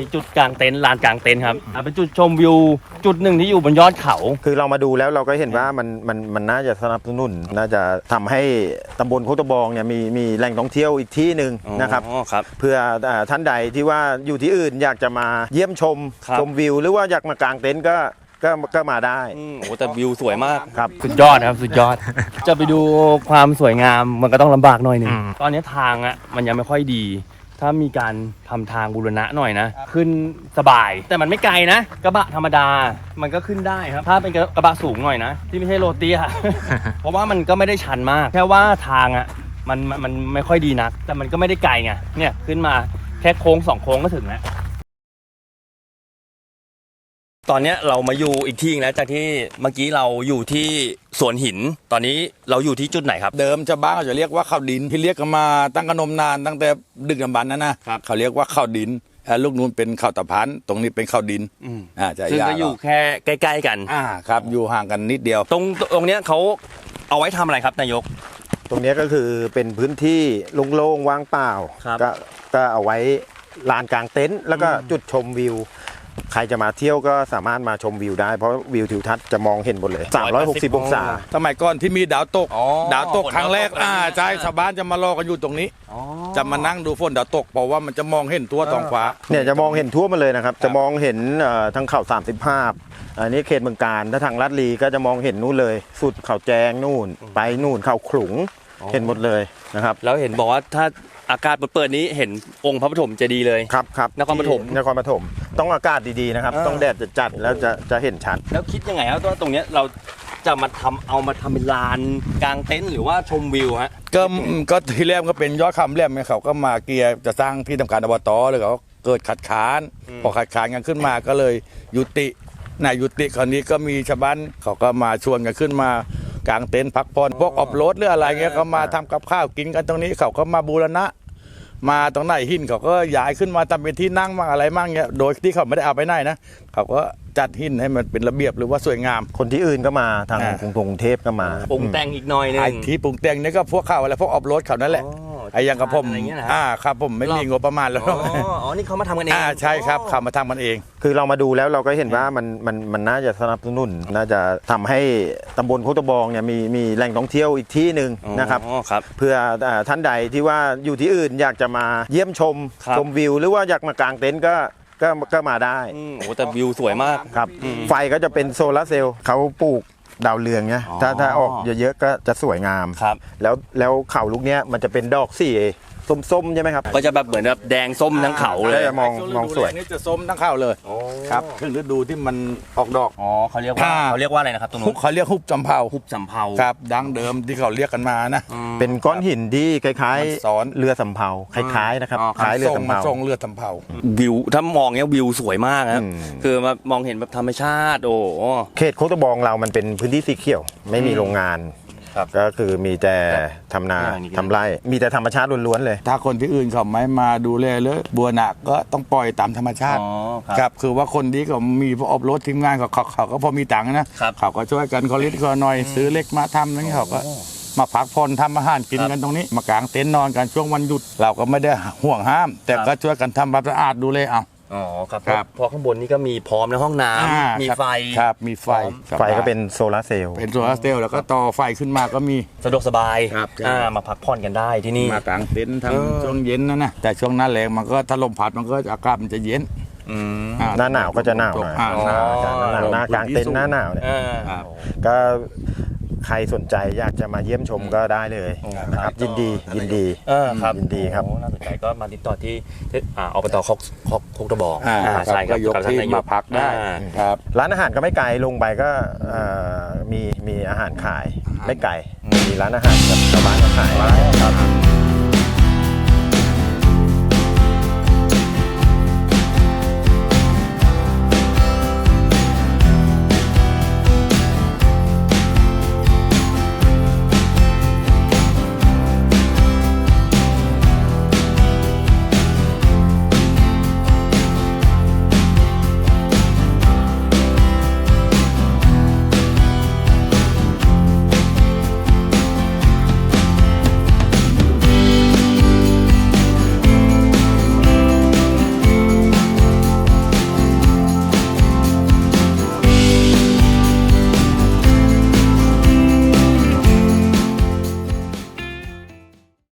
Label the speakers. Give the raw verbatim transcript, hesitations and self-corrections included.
Speaker 1: จุดกลางเต็นท์ลานกลางเต็นท์ครับเป็นจุดชมวิวจุดหนึ่งที่อยู่บนยอดเขา
Speaker 2: คือเรามาดูแล้วเราก็เห็นว่ามันมันมันน่าจะสนับสนุนน่าจะทำให้ตำบลโคกตะบองเนี่ยมีมีแหล่งท่องเที่ยวอีกที่หนึ่งนะครับเพื่อท่านใดที่ว่าอยู่ที่อื่นอยากจะมาเยี่ยมชมชมวิวหรือว่าอยากมากางเต็นท์ก็ก็ก็มาได้
Speaker 1: โอ้แต่วิวสวยมาก
Speaker 2: ครับ
Speaker 1: สุดยอดครับสุดยอดจะไปดูความสวยงามมันก็ต้องลำบากหน่อยนึงตอนนี้ทางอ่ะมันยังไม่ค่อยดีถ้ามีการทำทางบูรณะหน่อยนะขึ้นสบายแต่มันไม่ไกลนะกระบะธรรมดามันก็ขึ้นได้ครับถ้าเป็นกระบะสูงหน่อยนะที่ไม่ใช่โรตีอะเพราะว่ามันก็ไม่ได้ชันมากแค่ว่าทางอ่ะมันมันไม่ค่อยดีนักแต่มันก็ไม่ได้ไกลไงเนี่ยขึ้นมาแค่โค้งสองโค้งก็ถึงแล้วตอนนี้เรามาอยู่อีกที่นึงแล้วจากที่เมื่อกี้เราอยู่ที่สวนหินตอนนี้เราอยู่ที่จุดไหนครับ
Speaker 3: เดิมชาวบ้านเขาจะเรียกว่าข้าวดินที่เรียกกันมาตั้งกระนมนานตั้งแต่ดึกดำบรรพ์นะนะเขาเรียกว่าข้าวดินลูกนู้นเป็นข้าวตะพันตรงนี้เป็นข้าวดิน
Speaker 1: อ่าจะซึ่งก็อยู่แค่ใกล้ๆกัน
Speaker 3: อ่าครับอยู่ห่างกันนิดเดียว
Speaker 1: ตรงตรงเนี้ยเขาเอาไว้ทำอะไรครับนายก
Speaker 2: ตรงนี้ก็คือเป็นพื้นที่โล่งๆว่างเปล่าก็ก็เอาไว้ลานกลางเต็นท์แล้วก็จุดชมวิวใครจะมาเที่ยวก็สามารถมาชมวิวได้เพราะวิวทิวทัศน์จะมองเห็นหมดเลยสามร้อยหกสิบองศา
Speaker 3: สมัยก่อนที่มีดาวตกดาวตกครั้งแรกอ่าใช่ชาวบ้านจะมารอกันอยู่ตรงนี้จะมานั่งดูฝนดาวตกเพราะว่ามันจะมองเห็นทั่วท้องฟ้า
Speaker 2: เนี่ยจะมองเห็นทั่วมาเลยนะครับจะมองเห็นทั้งเขาสามสิบห้าอันนี้เขตเมืองการถ้าทางลาดลีก็จะมองเห็นนู่นเลยสุดเขาแจงนู่นไปนู่นเขาขลุงเห็นหมดเลยนะครับ
Speaker 1: แล้วเห็นบอกว่าถ้าอากาศเปิดนี้เห็นองค์พระปฐมเจดีย์เลย
Speaker 2: ครับครับ
Speaker 1: นครปฐม
Speaker 2: นครปฐมต้องอากาศดีๆนะครับต้องแดดจัดๆแล้วจะจะเห็นชัด
Speaker 1: แล้วคิดยังไงครับว่าตรงนี้เราจะมาทำเอามาทำเป็นลานกลางเต็นท์หรือว่าชมวิวฮะ
Speaker 3: ก็ก็ที่แรกก็เป็นยอดคำแรกเนี่ยเขาก็มาเกียร์จะสร้างที่ทำการอบตเลยเขาเกิดขัดขานพอขัดขานกันขึ้นมาก็เลยยุตินายยุติคราวนี้ก็มีชาวบ้านเขาก็มาชวนกันขึ้นมากางเต็นท์พักผ่อนพวกออฟโรดหรืออะไรเงี้ยเขามาทำกับข้าวกินกันตรงนี้เขาก็มาบูรณะมาตรงไหนหินเขาก็ย้ายขึ้นมาทำเป็นที่นั่งมั่งอะไรมั่งเงี้ยโดยที่เขาไม่ได้เอาไปไหนนะเขาก็จัดหินให้มันเป็นระเบียบหรือว่าสวยงาม
Speaker 2: คนที่อื่นก็มาทางกรุงเทพก็มา
Speaker 1: ปรุงแต่งอีกหน่อยนึงไอ้
Speaker 3: ที่ปรุงแต่งนี่ก็พวกเขาอะไรพวกออฟโรดเขานั่นแหละไอ้ยังกับผมอ่าครับผมไม่มีงบประมาณแล้ว
Speaker 1: อ๋อนี่เขามาทำกันเอง
Speaker 3: อ่าใช่ครับเขามาทำกันเอง
Speaker 2: คือเรามาดูแล้วเราก็เห็นว่ามันมันมันน่าจะสนับสนุนน่าจะทำให้ตำบลโคกตะบองเนี่ยมีมีแหล่งท่องเที่ยวอีกที่หนึ่งนะครับเพื่อท่านใดที่ว่าอยู่ที่อื่นอยากจะมาเยี่ยมชมชมวิวหรือว่าอยากมากางเต็นท์ก็ก็ก็มาได้
Speaker 1: โอ้แต่วิวสวยมาก
Speaker 2: ครับไฟก็จะเป็นโซลาร์เซลล์เขาปลูกดาวเรืองเนี่ยถ้าถ้าออกเยอะๆก็จะสวยงาม
Speaker 1: ครับ
Speaker 2: แล้วแล้วเขาลูกเนี้ยมันจะเป็นดอกสีส้มๆใช่ไหมครับ
Speaker 1: ก็จะแบบเหมือนแบบแดงส้มทั้งเขาเลย
Speaker 2: มองมองสวย
Speaker 3: นี่จะส้มทั้งเขาเลยครับถึงฤดูที่มันออกดอก
Speaker 1: อ๋อเขาเรียกว่าเขาเรียกว่าอะไรนะครับตรงนู้น
Speaker 3: เขาเรียกฮุบจำเภา
Speaker 1: ฮุบจำเภา
Speaker 3: ครับดั้งเดิมที่เขาเรียกกันมานะ
Speaker 2: เป็นก้อนหินที่คล้ายๆสอนเรือสำเภาคล้ายๆนะครับคล้ายเรือสำเภา
Speaker 3: ทรงเรือสำเภา
Speaker 1: วิวถ้ามองเนี้ยวิวสวยมากครับคือมามองเห็นแบบธรรมชาติโอ้
Speaker 2: เขตโคกตะบองเรามันเป็นพื้นที่สีเขียวไม่มีโรงงานก็คือมีแต่ทำนาทำไร่มีแต่ธรรมชาติล้วนๆเลย
Speaker 3: ถ้าคนที่อื่นเขาไม่มาดูแลเลยบัวหนักก็ต้องปล่อยตามธรรมชาติครับคือว่าคนที่เขามีพวกอบรถทีมงานเขาเขาก็พอมีตังค์นะเขาก็ช่วยกันเขาเล็กเขาหน่อยซื้อเล็กมาทำนั่นเขาก็มาพักผ่อนทำอาหารกินกันตรงนี้มากางเต็นท์นอนกันช่วงวันหยุดเราก็ไม่ได้ห่วงห้ามแต่ก็ช่วยกันทำความสะอาดดูแลเอา
Speaker 1: อ๋อครับพอข้างบนนี้ก็มีพร้อมในห้องน้ำมีไฟ
Speaker 3: ครับมีไฟ
Speaker 2: ไฟก็เป็นโซลาร์เซลล์
Speaker 3: เป็นโซลาร์เซลล์แล้วก็ต่อไฟขึ้นมาก็มี
Speaker 1: สะดวกสบายมาพักผ่อนกันได้ที่นี่
Speaker 3: มากางเต็นท์ทั้งช่วงเย็นนะนะแต่ช่วงหน้าแรงมันก็ถ้าลมพัดมันก็อากาศมันจะเย็น
Speaker 2: หน้าหนาวก็จะหนาวหน่อยหน้ากางเต็นท์หน้าหนาวเนี่ยก็ใครสนใจอยากจะมาเยี่ยมชมก็ได้เลยนะครับยินดียินดี
Speaker 1: ครับ
Speaker 2: ยินดีครับ
Speaker 1: น่าสนใจก็มาติดต่อที่อบตโคกตะบอง
Speaker 3: ใช่ครับยกที่มาพักได้ครับ
Speaker 2: ร้านอาหารก็ไม่ไกลลงไปก็มีมีอาหารขายไม่ไกลมีร้านอาหารกับชาวบ้านก็ขายครับ